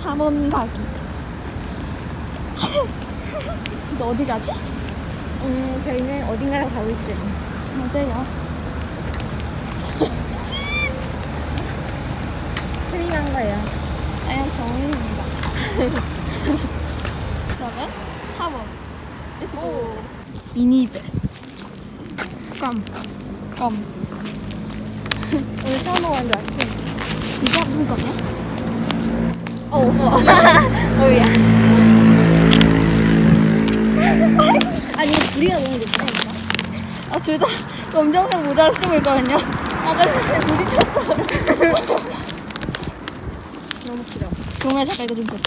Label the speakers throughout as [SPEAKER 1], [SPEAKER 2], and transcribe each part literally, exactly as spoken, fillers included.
[SPEAKER 1] 탐험 가기. 너 어디 가지?
[SPEAKER 2] 음, 저희는 어딘가로 가고 있어요.
[SPEAKER 1] 어제요.
[SPEAKER 2] 틀린 거예요.
[SPEAKER 1] 아니요, 정인입니다. 그러면 탐험. 렛츠고. 미니배. 껌. 껌.
[SPEAKER 2] 오늘 처음 먹었는데 맛있어.
[SPEAKER 1] 이거 무슨 껌이야?
[SPEAKER 2] 어, 어우야. 아니, 우리가 너무 높다니까.
[SPEAKER 1] 아, 둘 다 검정색 모자를 쓰고 있거든요. 아까 부딪혔어.
[SPEAKER 2] 너무 길어.
[SPEAKER 1] 종아 잠깐 이거 좀 줘.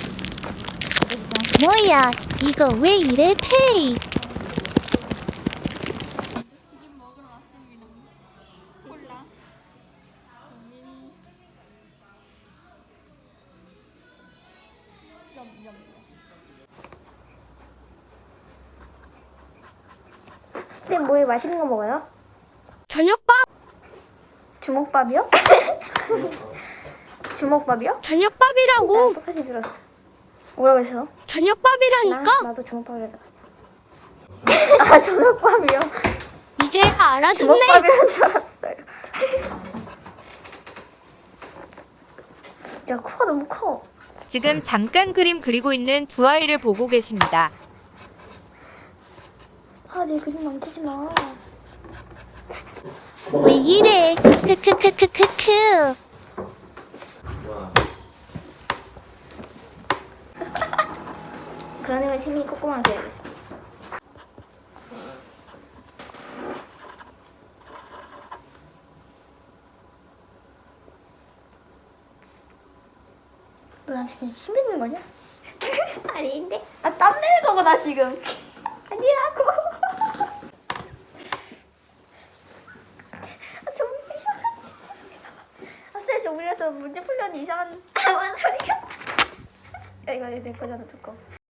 [SPEAKER 3] 뭐야, 이거 왜 이래, 테이?
[SPEAKER 1] 튀김 먹으러 왔습니다. 콜라. 정민이. 염염.
[SPEAKER 2] 쌤, 뭐에 맛있는 거 먹어요?
[SPEAKER 3] 저녁밥?
[SPEAKER 2] 주먹밥이요? 주먹밥이요?
[SPEAKER 3] 저녁밥이라고.
[SPEAKER 2] 나 똑같이 들었어. 뭐라고 했어? 나,
[SPEAKER 3] 저녁밥이라니까.
[SPEAKER 2] 나도 주먹밥이라 들었어. 아, 주먹밥이요?
[SPEAKER 3] 이제야 알아듣네.
[SPEAKER 2] 주먹밥이라는 줄 알았어요. 야, 코가 너무 커.
[SPEAKER 4] 지금 잠깐 그림 그리고 있는 두 아이를 보고 계십니다.
[SPEAKER 2] 아, 내 그림 망치지 마.
[SPEAKER 3] 왜 이래? 크크크크크크.
[SPEAKER 2] 그런 애면 채민이 꼼꼼하게 해야겠어. 너 나한테 지금 침 뱉는 거냐? 아닌데? 아, 땀 내는 거구나, 지금. 아니라고. 아, 정말 이상하지. 아, 쌤, 저 우리가 저 문제 풀려니 이상한. 아, 뭔 소리야? 야, 이거 내 거잖아, 두꺼워.